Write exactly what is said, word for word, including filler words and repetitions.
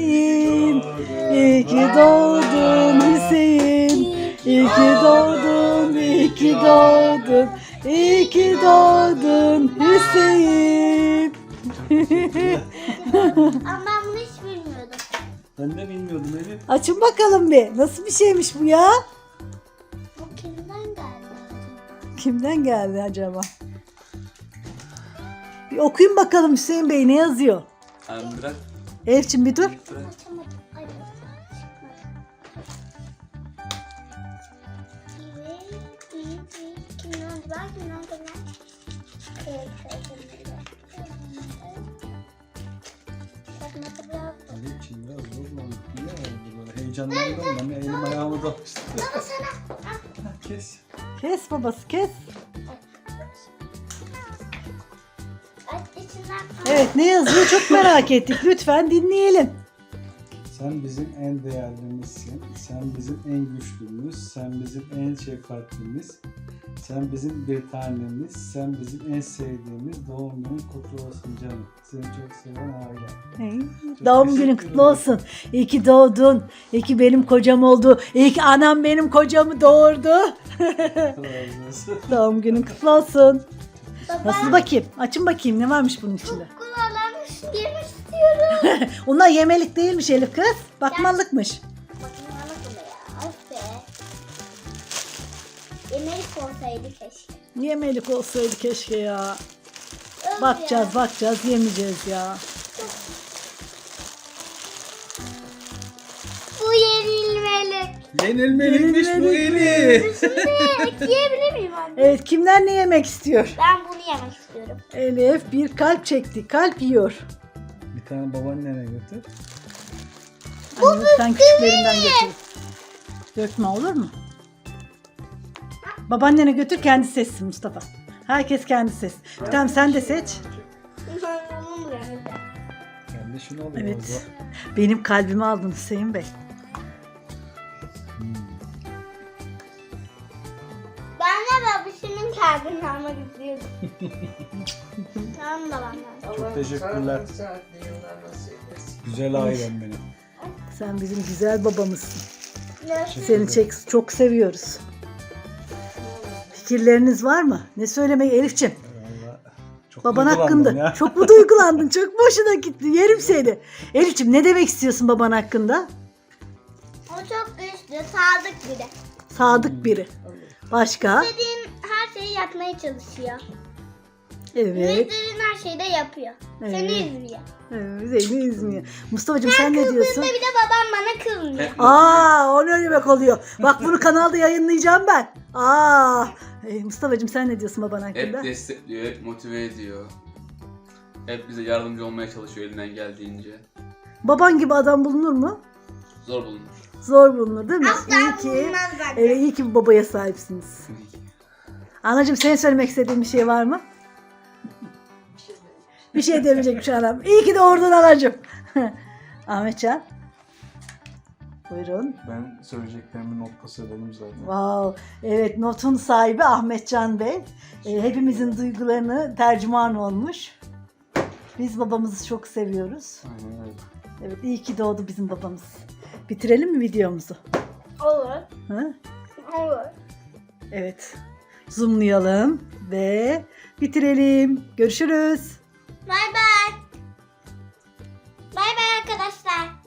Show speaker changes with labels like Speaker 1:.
Speaker 1: Hüseyin. İyi ki doğdun Hüseyin. İyi ki doğdun, iyi ki doğdun. İyi ki doğdun Hüseyin.
Speaker 2: Ama ben bunu hiç bilmiyordum.
Speaker 3: Ben de bilmiyordum Elif.
Speaker 1: Açın bakalım bir. Nasıl bir şeymiş bu ya?
Speaker 2: Bu kimden geldi?
Speaker 1: Kimden geldi acaba? Bir okuyun bakalım Hüseyin Bey ne yazıyor?
Speaker 3: Abi bırak.
Speaker 1: Elif'ciğim bir dur.
Speaker 3: Bırak.
Speaker 2: Açamadım. Ay, çıkmadı. İyi, iyi, iyi. Kimden var? Kimden var? Evet, evet, evet. Bakmadı biraz.
Speaker 3: Elif için biraz zorlandık. Niye oldu böyle? Heyecanlandım ben. Elim ayağımı da
Speaker 2: Baba sana.
Speaker 3: Ha, kes.
Speaker 1: Kes babası kes.
Speaker 2: Ay, içinden.
Speaker 1: Evet ne yazıyor çok merak ettik. Lütfen dinleyelim.
Speaker 3: Sen bizim en değerlimizsin. Sen bizim en güçlümüz. Sen bizim en şefkatlimiz. Sen bizim bir tanemiz. Sen bizim en sevdiğimiz. Doğum günün kutlu olsun canım. Seni çok seven aile.
Speaker 1: Hey,
Speaker 3: Çok
Speaker 1: Doğum
Speaker 3: teşekkür
Speaker 1: günün kutlu
Speaker 3: ederim.
Speaker 1: olsun. İyi ki doğdun. İyi ki benim kocam oldu. İyi ki anam benim kocamı doğurdu.
Speaker 3: Razı olsun.
Speaker 1: Doğum günün kutlu olsun.
Speaker 2: Baba.
Speaker 1: Nasıl bakayım? Açın bakayım ne varmış bunun içinde.
Speaker 2: Kulağlarmış yemek istiyorum.
Speaker 1: Onlar yemelik değilmiş Elif kız. Bakmalıkmış.
Speaker 2: Bakın bana bunu ya. Of be. Yemek olsaydı keşke.
Speaker 1: Yemelik olsaydı keşke ya.
Speaker 2: Öf
Speaker 1: Bakacağız
Speaker 2: ya.
Speaker 1: bakacağız yemeyeceğiz ya.
Speaker 2: Bu yenilmeli.
Speaker 3: Yenilmeliymiş bu
Speaker 1: Yenilmelik.
Speaker 3: Elif.
Speaker 2: Şimdi yiyebilir miyim anne?
Speaker 1: Evet kimler ne yemek istiyor?
Speaker 2: Ben bunu yemek istiyorum.
Speaker 1: Elif bir kalp çekti. Kalp yiyor.
Speaker 3: Bir tane babaannene götür.
Speaker 1: Anne lütfen küçüklerinden götür. Dökme olur mu? Babaannene götür kendi seçsin Mustafa. Herkes kendi seç. Tamam sen de seç.
Speaker 2: Ben bunu yemek.
Speaker 3: Ben de şunu alayım.
Speaker 1: Evet. Benim kalbimi aldın Hüseyin Bey.
Speaker 2: Ben de babasının kalbini almak istiyorum. Tamam babamdan.
Speaker 3: Çok teşekkürler. Güzel ailem benim.
Speaker 1: Sen bizim güzel babamızsın.
Speaker 2: Görüşürüz.
Speaker 1: Seni çek- çok seviyoruz. Fikirleriniz var mı? Ne söylemeyi Elif'ciğim?
Speaker 3: Vallahi çok
Speaker 1: Baban
Speaker 3: duygulandım
Speaker 1: hakkında.
Speaker 3: ya.
Speaker 1: Çok mu duygulandın? Çok boşuna gitti. Yerim seni. Elif'ciğim ne demek istiyorsun baban hakkında?
Speaker 2: O çok güçlü, sadık biri.
Speaker 1: Sadık biri. Başka?
Speaker 2: İstediğin her şeyi yapmaya çalışıyor.
Speaker 1: Evet.
Speaker 2: İstediğin her şeyi de yapıyor. Seni
Speaker 1: Evet.
Speaker 2: üzmüyor.
Speaker 1: Evet, seni üzmüyor. Mustafa'cığım sen ne diyorsun?
Speaker 2: Bir de babam bana kızmıyor.
Speaker 1: Aa, o ne demek oluyor? Bak bunu kanalda yayınlayacağım ben. Aa, e, Mustafa'cığım sen ne diyorsun baban hakkında?
Speaker 4: Hep destekliyor, hep motive ediyor. Hep bize yardımcı olmaya çalışıyor elinden geldiğince.
Speaker 1: Baban gibi adam bulunur mu?
Speaker 4: Zor bulunur.
Speaker 1: Zor bulunur değil mi?
Speaker 2: Asla
Speaker 1: iyi ki,
Speaker 2: bulunmaz bence.
Speaker 1: evet, iyi ki bir babaya sahipsiniz. Anacığım senin söylemek istediğin bir şey var mı? Bir şey demeyecekmiş anam. İyi ki doğurdun anacığım. Ahmetcan. Buyurun.
Speaker 3: Ben söyleyeceklerimi notta söyledim zaten.
Speaker 1: Wow. Evet notun sahibi Ahmetcan Bey. Ee, hepimizin duygularını tercüman olmuş. Biz babamızı çok seviyoruz.
Speaker 3: Aynen öyle.
Speaker 1: Evet iyi ki doğdu bizim babamız. Bitirelim mi videomuzu?
Speaker 2: Olur.
Speaker 1: Hı?
Speaker 2: Olur.
Speaker 1: Evet. Zoomlayalım ve bitirelim. Görüşürüz.
Speaker 2: Bay bay. Bay bay arkadaşlar.